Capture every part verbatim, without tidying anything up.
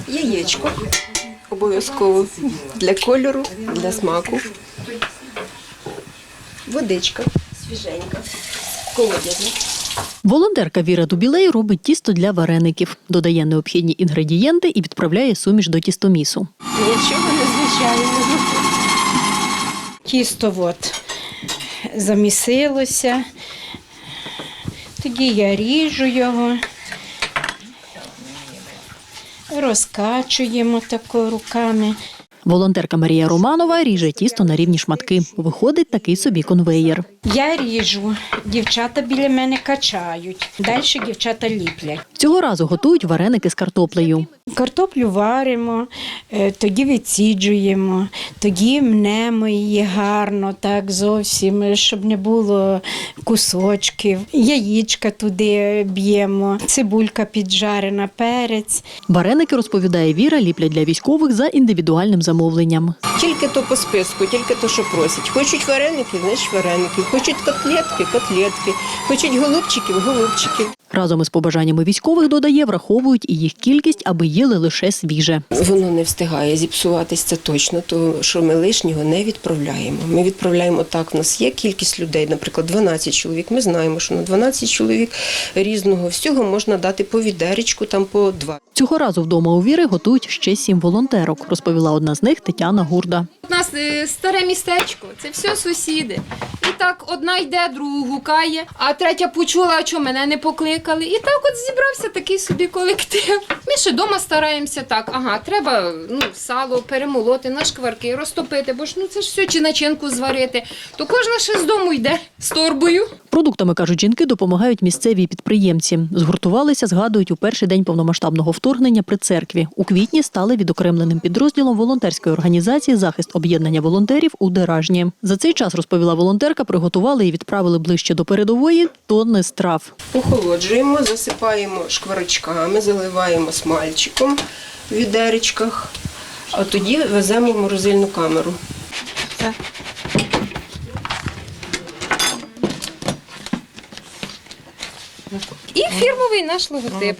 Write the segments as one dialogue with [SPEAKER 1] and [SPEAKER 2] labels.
[SPEAKER 1] Яєчко обов'язково для кольору, для смаку. Водичка свіженька, колодязна.
[SPEAKER 2] Волонтерка Віра Дубілей робить тісто для вареників, додає необхідні інгредієнти і відправляє суміш до тістомісу.
[SPEAKER 1] Нічого незвичайного.
[SPEAKER 3] Тісто от замісилося, тоді я ріжу його, розкачуємо тако руками.
[SPEAKER 2] Волонтерка Марія Романова ріже тісто на рівні шматки. Виходить такий собі конвеєр.
[SPEAKER 3] Я ріжу, дівчата біля мене качають, далі дівчата ліплять.
[SPEAKER 2] Цього разу готують вареники з картоплею.
[SPEAKER 3] Картоплю варимо, е, тоді відсіджуємо, тоді мнемо її гарно, так зовсім, щоб не було кусочків. Яєчка туди б'ємо, цибулька піджарена, перець.
[SPEAKER 2] Вареники, розповідає Віра, ліплять для військових за індивідуальним замовленням.
[SPEAKER 1] Тільки то по списку, тільки то, що просять. Хочуть вареників, значить вареників. Хочуть котлетки, котлетки. Хочуть голубчиків, голубчиків.
[SPEAKER 2] Разом із побажаннями військових, додає, враховують і їх кількість, аби їли лише свіже.
[SPEAKER 1] Воно не встигає зіпсуватись, це точно, тому що ми лишнього не відправляємо. Ми відправляємо так, в нас є кількість людей, наприклад, дванадцять чоловік. Ми знаємо, що на дванадцять чоловік різного всього можна дати по відеречку, там по два.
[SPEAKER 2] Цього разу вдома у Віри готують ще сім волонтерок, розповіла одна з них Тетяна Гурда.
[SPEAKER 4] У нас е, старе містечко, це все сусіди. І так одна йде, другу гукає, а третя почула, а чого мене не покликали. І так от зібрався такий собі колектив. Ми ще вдома стараємося так, ага, треба ну, сало перемолоти на шкварки, розтопити, бо ж ну, це ж все, чи начинку зварити. То кожна ще з дому йде з торбою.
[SPEAKER 2] Продуктами, кажуть жінки, допомагають місцеві підприємці. Згуртувалися, згадують, у перший день повномасштабного вторгнення при церкві. У квітні стали відокремленим підрозділом волонтерської організації «Захист об'єднання волонтерів» у Деражні. За цей час, розповіла волонтерка, приготували і відправили ближче до передової тонни страв.
[SPEAKER 1] Охолоджуємо, засипаємо шкварочками, заливаємо смальчиком в відеречках, а тоді веземо в морозильну камеру.
[SPEAKER 4] І фірмовий наш логотип.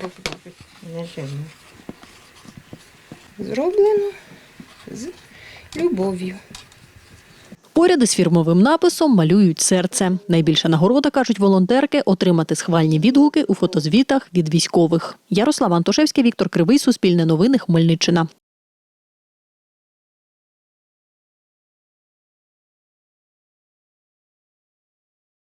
[SPEAKER 4] Зроблено з любов'ю.
[SPEAKER 2] Поряд із фірмовим написом малюють серце. Найбільша нагорода, кажуть волонтерки, отримати схвальні відгуки у фотозвітах від військових. Ярослава Антошевська, Віктор Кривий, Суспільне новини, Хмельниччина.